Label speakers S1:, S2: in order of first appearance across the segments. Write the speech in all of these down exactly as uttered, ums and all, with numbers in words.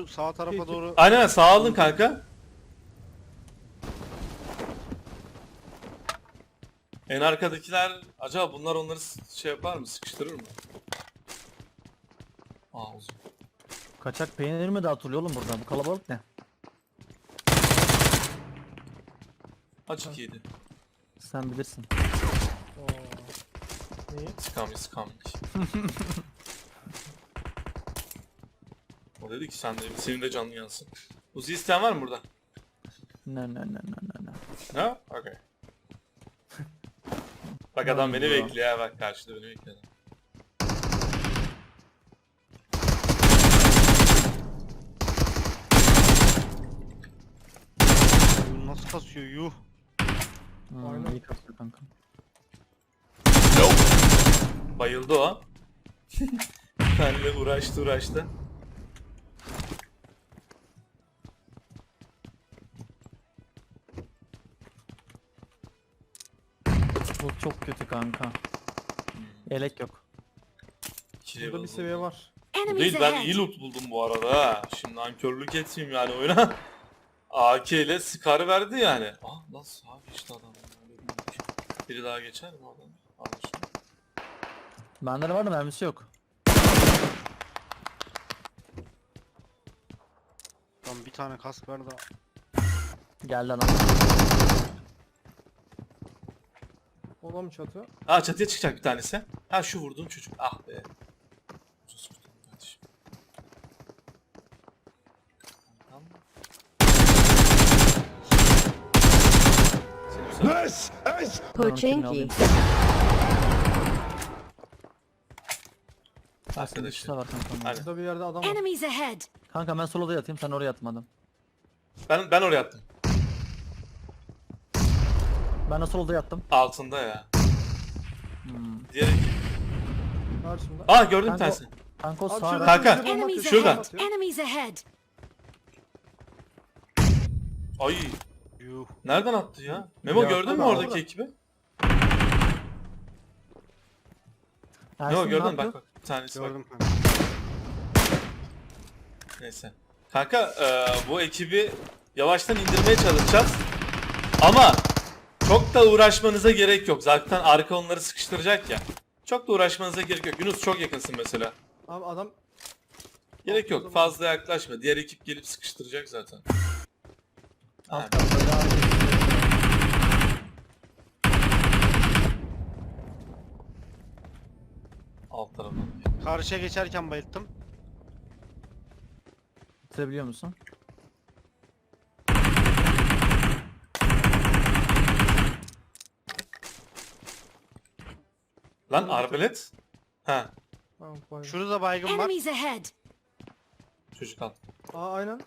S1: şu sağ tarafa doğru.
S2: Aynen sağ alın kanka. En arkadakiler acaba bunlar onları şey yapar mı? Sıkıştırır mı? Aa uzun.
S3: Kaçak peynir mi dağıtılıyor oğlum buradan? Bu kalabalık ne?
S2: Açık yedi.
S3: Sen bilirsin.
S4: Oo. İyi.
S2: Scammy scammy. O dedi ki sen de senin de canlı yansın. Uzi isteyen var mı burada?
S3: Ne ne ne ne ne ne.
S2: Ha? Okay. Bak adam beni bekliyor ha, bak karşıda beni bekliyor.
S1: Oyun nasıl kasıyor yuh.
S3: Hmm,
S4: Aynen.
S3: iyi kasıyor kanka.
S2: Bayıldı o. Benle uğraştı uğraştı.
S3: Bu çok kötü kanka. Yelek yok.
S2: İki
S4: Burada
S2: level
S4: bir seviye
S2: buldum.
S4: var.
S2: Bu
S5: Enemies
S2: değil, ben iyi
S5: ahead.
S2: loot buldum bu arada ha. Şimdi nankörlük etmeyeyim yani oyuna. A K ile Scar verdi yani. Ah nasıl abi işte adam. Biri daha geçer mi oradan? Anlaşıldı.
S3: Bende de var da mermisi yok.
S1: Tam bir tane kask ver da.
S3: Geldi adam.
S4: O da mı çatı?
S2: Aa çatıya çıkacak bir tanesi. Ha şu vurduğum çocuk. Ah be. Ucuz vurdum kardeşim. Tamam. Seni güzel.
S5: Pochinki.
S3: Arkadaşlar
S2: Arkadaşlar.
S3: var kanka.
S2: Aynen.
S4: Burada bir yerde adam var.
S5: Enemies ahead.
S3: Kanka ben soloda yatayım, sen oraya yatmadın.
S2: Ben ben oraya attım.
S3: Ben de soloda yattım.
S2: Altında ya.
S3: Hmm.
S2: Diğer ekip.
S4: Karşımda.
S2: Aa gördüm bir
S3: Kanka,
S2: tanesi.
S3: kanka o
S4: Abi
S3: sağda.
S4: şurada
S2: Kanka,
S4: bize bomba
S5: Enemies
S4: atıyor,
S2: şurada.
S4: bomba
S5: ahead.
S4: atıyor.
S5: Enemies ahead.
S2: Ay
S1: Yuh.
S2: nereden attı ya? Memo
S3: Ya,
S2: gördün mü
S4: orada,
S2: oradaki
S4: orada.
S2: ekibi?
S3: Ersin,
S2: Yok
S3: ne
S2: gördün
S3: yapıyor?
S2: bak bak. Bir tanesi bak.
S1: Gördüm kanka.
S2: Neyse. Kanka e, bu ekibi yavaştan indirmeye çalışacağız. Ama çok da uğraşmanıza gerek yok. Zaten arka onları sıkıştıracak ya. Çok da uğraşmanıza gerek yok. Yunus çok yakınsın mesela.
S4: Abi adam
S2: Gerek yok. Fazla yaklaşma. Diğer ekip gelip sıkıştıracak zaten. Ha,
S3: Alt katta ya.
S2: alt taraftan.
S1: Karşıya geçerken bayılttım.
S3: Bitirebiliyor musun?
S2: Lan arbelet. Ha,
S4: Tamam, vay.
S1: Şurada baygın var.
S5: Enemies ahead.
S2: çocuk al.
S4: Aa aynen.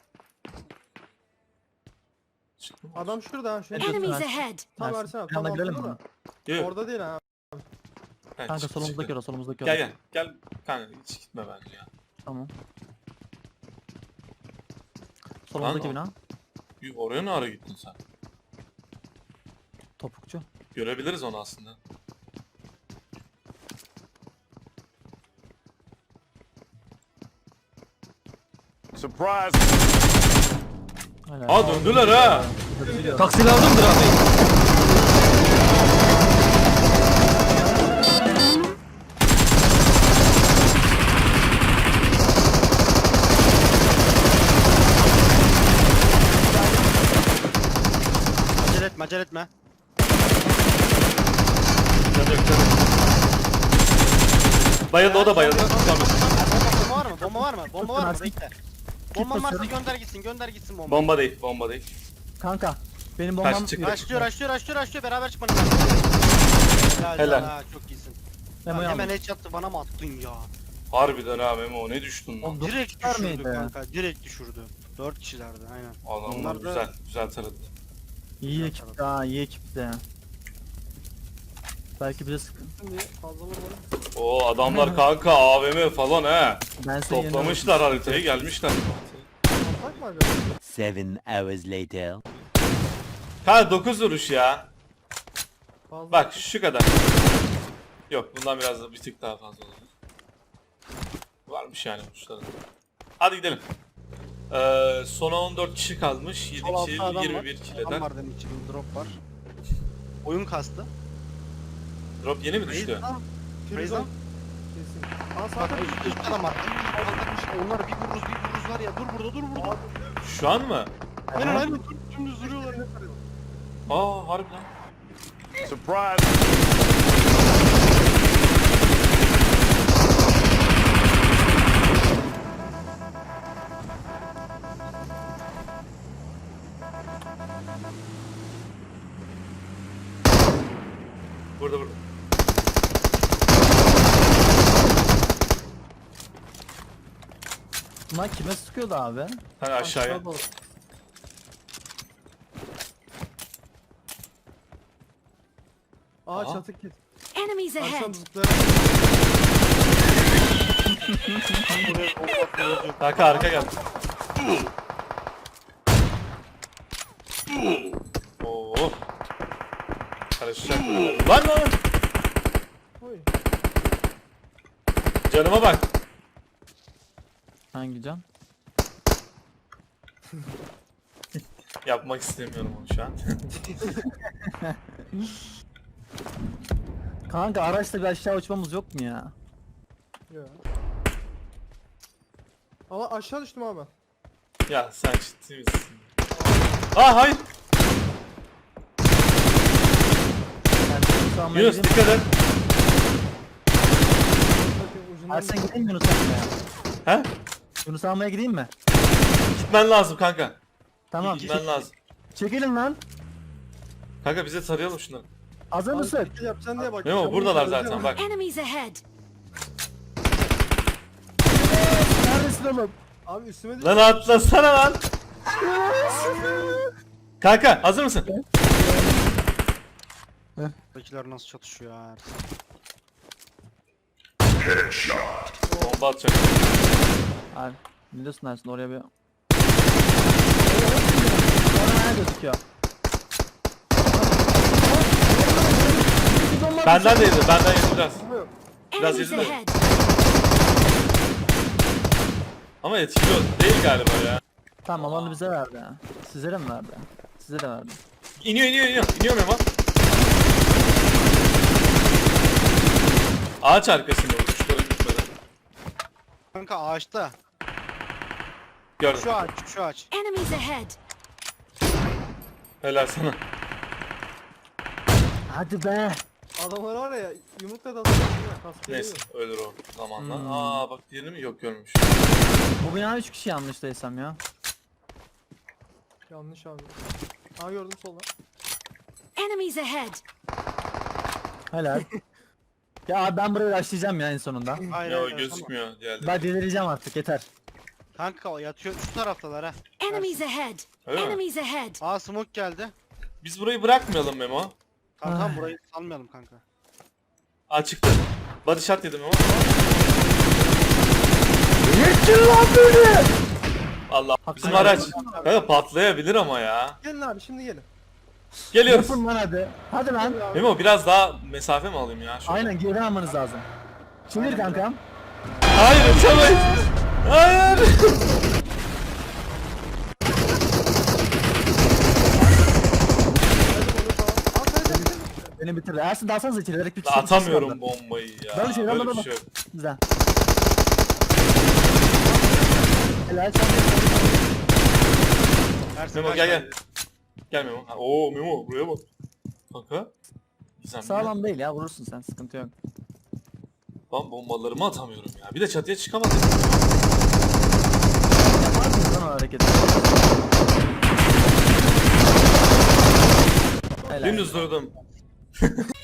S2: Çıktı mı?
S4: Adam şurada ha. Şu
S3: Evet.
S5: Enemies
S3: Ersin.
S5: ahead.
S4: tam
S3: Ersin,
S4: versene abi.
S3: bir
S4: Tam
S3: anda gidelim
S4: altında
S3: mi?
S4: da.
S2: Yok, yok.
S4: Orada değil ha.
S2: Ha,
S3: Kanka
S2: çıktı,
S3: solumuzdaki
S2: çıktı.
S3: ora, solumuzdaki
S2: Gel
S3: ora.
S2: gel. Gel. Kanka hiç gitme bence ya.
S3: Tamam. Solumuzdaki
S2: Lan
S3: bina.
S2: Yuh, oraya ne ara gittin sen?
S3: Topukçu.
S2: Görebiliriz onu aslında.
S6: Surprise!
S3: Aynen.
S2: Aa döndüler ha.
S3: Taksi lazımdır abi.
S1: Acele etme acele etme.
S2: Bayıldı o da bayıldı. Tamam.
S1: Bomba var mı? Bomba var mı? Bomba var mı?
S3: Ersin.
S1: Bekle. Bomba varsa
S3: basıyorum.
S1: gönder gitsin gönder gitsin bomba.
S2: Bomba değil, bomba değil.
S3: Kanka benim bombam
S2: Kaç çıktı?
S1: Açlıyor açlıyor açlıyor açlıyor beraber çıkmanız lazım. Helal.
S2: Helal.
S1: Ha, çok iyisin.
S3: Memo'yu
S1: Hemen
S3: aldım.
S1: headshot'ı bana mı attın ya?
S2: Harbiden ha Memo, ne düştün lan?
S3: Oğlum, dokuz
S1: Direkt
S3: var
S1: düşürdü
S3: mıydı?
S1: kanka. Direkt düşürdü. Dört kişilerdi aynen.
S2: Adamlar
S1: Onlar da-
S2: güzel, güzel taradı.
S3: İyi ekipti ha, iyi ekipti ya. Belki bize sıkın.
S4: Şimdi fazla vurmadım.
S2: O adamlar kanka A V M falan he.
S3: Ben seni
S2: Toplamışlar haritayı, gelmişler.
S4: Atak mı acaba?
S7: Seven hours later.
S2: Kanka dokuz vuruş ya.
S4: Fazla.
S2: Bak şu kadar. Yok bundan biraz da bir tık daha fazla olur. Varmış yani vuruşları. Hadi gidelim. Ee, sona on dört kişi kalmış. yedi
S1: Sol altta
S2: kill,
S1: adam
S2: yirmi
S1: var.
S2: bir kill
S1: Adam
S2: eder.
S1: var demek ki. Drop var. Oyun kastı.
S2: Drop yeni mi düştü?
S1: Raze'den.
S4: Firuze. Kesin. Aa
S1: Bak
S4: sağda
S1: üst, üst adam var. Onlar bir vururuz bir vururuz var ya. Dur burada dur burada.
S2: Şu an mı?
S1: Aynen aynen. Dur, dümdüz duruyorlar.
S2: Aa harbiden.
S6: Surprise.
S2: Burada burada.
S3: Bunlar kime sıkıyordu abi?
S2: Hani aşağıya.
S4: Aşağı doğru. Aa
S2: Aha.
S4: çatı kit.
S5: Enemies
S4: Akşam
S5: ahead!
S4: zıplayarak.
S2: Kanka arka gel. Oo. Karışacak. Lan lan.
S4: Oy.
S2: Canıma bak.
S3: Hangi can?
S2: Yapmak istemiyorum onu şu an.
S3: Kanka araçla bir aşağı uçmamız yok mu ya?
S4: Ya. Ama aşağı düştüm abi ben.
S2: Ya sen ciddi misin? Aa hayır.
S3: Ben Yunus almaya
S2: Yunus
S3: gideyim.
S2: dikkat et.
S4: Bakın ucundan.
S3: Ersen gideyim mi Yunus almaya?
S2: He?
S3: Yunus almaya gideyim mi?
S2: Gitmen lazım kanka.
S3: Tamam.
S2: Gitmen lazım.
S3: Çekilin lan.
S2: Kanka bize tarayalım şunları.
S3: Hazır
S4: Abi,
S3: mısın?
S4: bir şey yapacaksın diye bak.
S2: Memo
S4: Çabuk
S2: buradalar
S4: söyleyeceğim.
S2: zaten bak.
S5: Enemies ahead!
S3: Neredesin oğlum?
S4: Abi üstüme düş.
S2: Lan atlasana lan. Kanka hazır mısın?
S1: Buradakiler nasıl çatışıyor ya.
S2: Bomba atacak.
S3: Abi ne diyorsun Ersin oraya bir... Orada ne gözüküyor?
S2: Benden de yedi, benden yedi biraz. Biraz
S5: Enemies
S2: yedi de.
S5: ahead!
S2: Ama etkili değil galiba ya.
S3: Tamam onu bize verdi ha. Size de mi verdi? Size de verdi.
S2: İniyor iniyor iniyor. İniyor Memo. Ağaç arkasında bu. Uçları gitmedi.
S1: Kanka ağaçta.
S2: Gördüm.
S1: Şu ağaç şu ağaç.
S5: Enemies ahead!
S2: Helal sana.
S3: Hadi be.
S4: Adamlar var ya yumrukla da atıyor. Kaskı
S2: Neyse
S4: geliyor.
S2: ölür o zamanla.
S3: Hmm.
S2: Aa bak diğerini mi? Yok görmüş.
S3: Bu bina üç kişi yanlış değilsem ya.
S4: Yanlış abi. Aa gördüm solda.
S5: Enemies ahead!
S3: Helal. Ya abi ben burayı başlayacağım ya en sonunda.
S1: Hayır
S2: Ya o
S1: hayır.
S2: gözükmüyor diğerleri.
S3: Ben delireceğim artık yeter.
S1: Kanka o yatıyor şu taraftalar ha.
S5: Enemies ahead!
S2: Öyle mi?
S5: Enemies ahead!
S1: Aa smoke geldi.
S2: Biz burayı bırakmayalım Memo.
S1: Tamam tamam
S3: Ay.
S1: burayı salmayalım kanka.
S2: Aa çıktı. Body shot yedim Memo.
S3: Yetkin lan beni!
S2: Allah.
S3: Hakkını
S2: Bizim araç.
S3: helal
S2: Kanka patlayabilir ama ya.
S4: Gelin abi şimdi gelin.
S2: Geliyoruz.
S3: Yapın lan hadi. Hadi lan.
S2: Memo biraz daha mesafe mi alayım ya? Şöyle.
S3: Aynen geriden almanız lazım. Çevir kankam.
S2: Hayır uçamayız. Hayır.
S4: At hadi hadi.
S3: Beni bitirdi. Ersin dalsanıza içeri. Direkt bir kişi-
S2: Atamıyorum
S3: bir kişi kaldı.
S2: bombayı ya.
S3: Ben şey, ben
S2: Böyle
S3: bana
S2: bir
S3: bak.
S2: şey yok.
S3: Güzel. Helal sen.
S1: Ersin
S2: Memo
S1: kaç
S2: gel gel.
S1: tane?
S2: Gel Memo. Ha, Oo Memo buraya bak. Kanka. Gizemli.
S3: Sağlam değil ya vurursun sen sıkıntı yok.
S2: Ben bombalarımı atamıyorum ya. Bir de çatıya çıkamadım.
S3: Yapar mısın lan o hareketi? Helal.
S2: Dümdüz durdum.